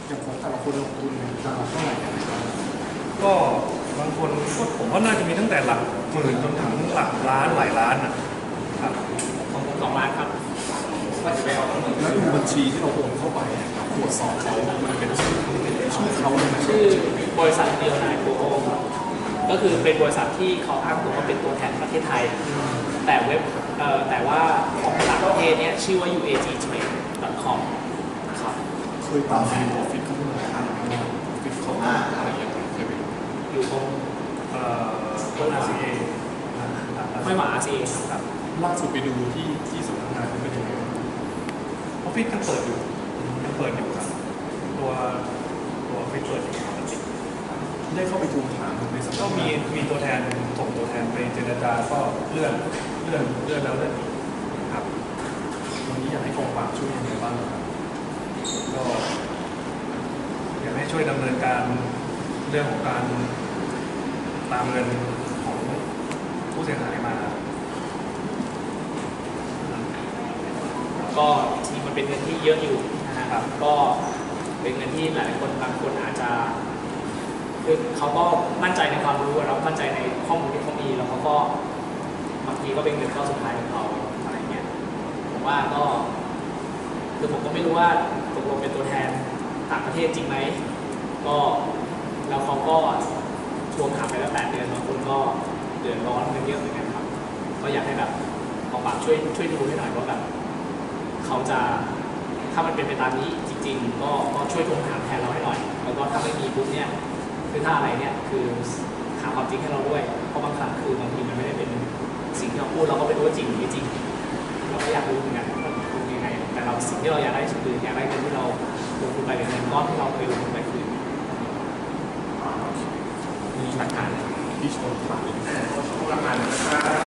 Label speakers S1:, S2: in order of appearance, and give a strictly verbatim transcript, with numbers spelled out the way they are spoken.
S1: อย่างของแต่ละคนลงทุนเนี่ยจะเท่าไหร่กันนะครับ
S2: ก็บางคนก็ผมว่าน่าจะมีตั้งแต่หลักหมื่นจนถึงหลักล้านหลายล้านนะครับ
S3: ของผมสองล้านครับว่าจะไปเอาทั้งหมด
S1: แล้วดูบัญชีที่เราโอนเข้าไปตรวจสอบเขามันเป็นชื่อชื่อเขาเลยไหม
S3: ชื่อบริษัทเดียวนายโกโอก็คือเป็นบริษัทที่เขาอ้างตัวว่าเป็นตัวแทนประเทศไทยแต่เว็บเอ่อแต่ว่าของต่างประเทศเนี่ยชื่อว่า ยู เอ จี trade ดอท คอม ครับ
S1: เคยตามดูออฟฟิศเขาเมื่อไหร่ครับออฟฟิศเขาอะไรอย่างเงี้ยเคยไปดู
S3: อยู่ตรง
S2: เอ่อต้น อาร์ ซี เอ
S3: ไม่หมา อาร์ ซี เอ ครับ
S1: ล่าสุดไปดูที่ที่สำนักงานเขาเป็นยังไง
S2: ออฟฟิศยังเปิดอยู่ยังเปิดอยู่ครับตัวตัวออฟฟิศเปิดอยู่ปกติ
S1: ได้เข้าไปทวงถามในสำนัก
S2: ก็
S1: งาน
S2: มีมีตัวแทนส่งตัวแทนไปเจรจาก็เลื่อนเลื่อนเลื่อนแล้วเลื่อนอีกครับ
S1: วันนี้อยากให้กองปราบช่วยยังไงบ้างครับ
S2: ก็อยากให้ช่วยดำเนินการเรื่องของการตามเงินของผู้เสียหายมา
S3: ก็จริงมันเป็นเงินที่เยอะอยู่นะครับก็เป็นเงินที่หลายคนบางคนอาจจะคือเขาก็มั่นใจในความรู้แล้วมั่นใจในข้อมูลที่เขามีแล้วเขาก็บางทีก็เป็นเงินก้อนสุดท้ายของเขาอะไรเงี้ยผมว่าก็คือผมก็ไม่รู้ว่าตกลงเป็นตัวแทนต่างประเทศจริงไหมก็แล้วเขาก็ทวงถามไปแล้วแปดเดือนบางคนก็เดือดร้อนกันเยอะเหมือนกันครับก็อยากให้แบบกองปราบช่วยช่วยดูให้หน่อยว่าแบบเขาจะถ้ามันเป็นไปตามนี้จริงๆก็ก็ช่วยทวงถามแทนเราให้หน่อยแล้วก็ถ้าไม่มีปุ๊บเนี่ยคือถ้าอะไรเนี่ยคือหาความจริงให้เราด้วยเพราะบางครั้งคือบางทีมันไม่ได้เป็นสิ่งที่เราพูดเราก็ไม่รู้ว่าจริงหรือไม่จริงเราก็อยากรู้เหมือนกันว่ามันเป็นยังไงแต่เราสิ่งที่เราอยากได้คืออยากได้เงินที่เราลงทุนไปเป็นเงินก้อนที่เราเคยลงทุนไปคืนมีหลักฐาน
S1: ที่ชนผ่าน
S3: หลักฐาน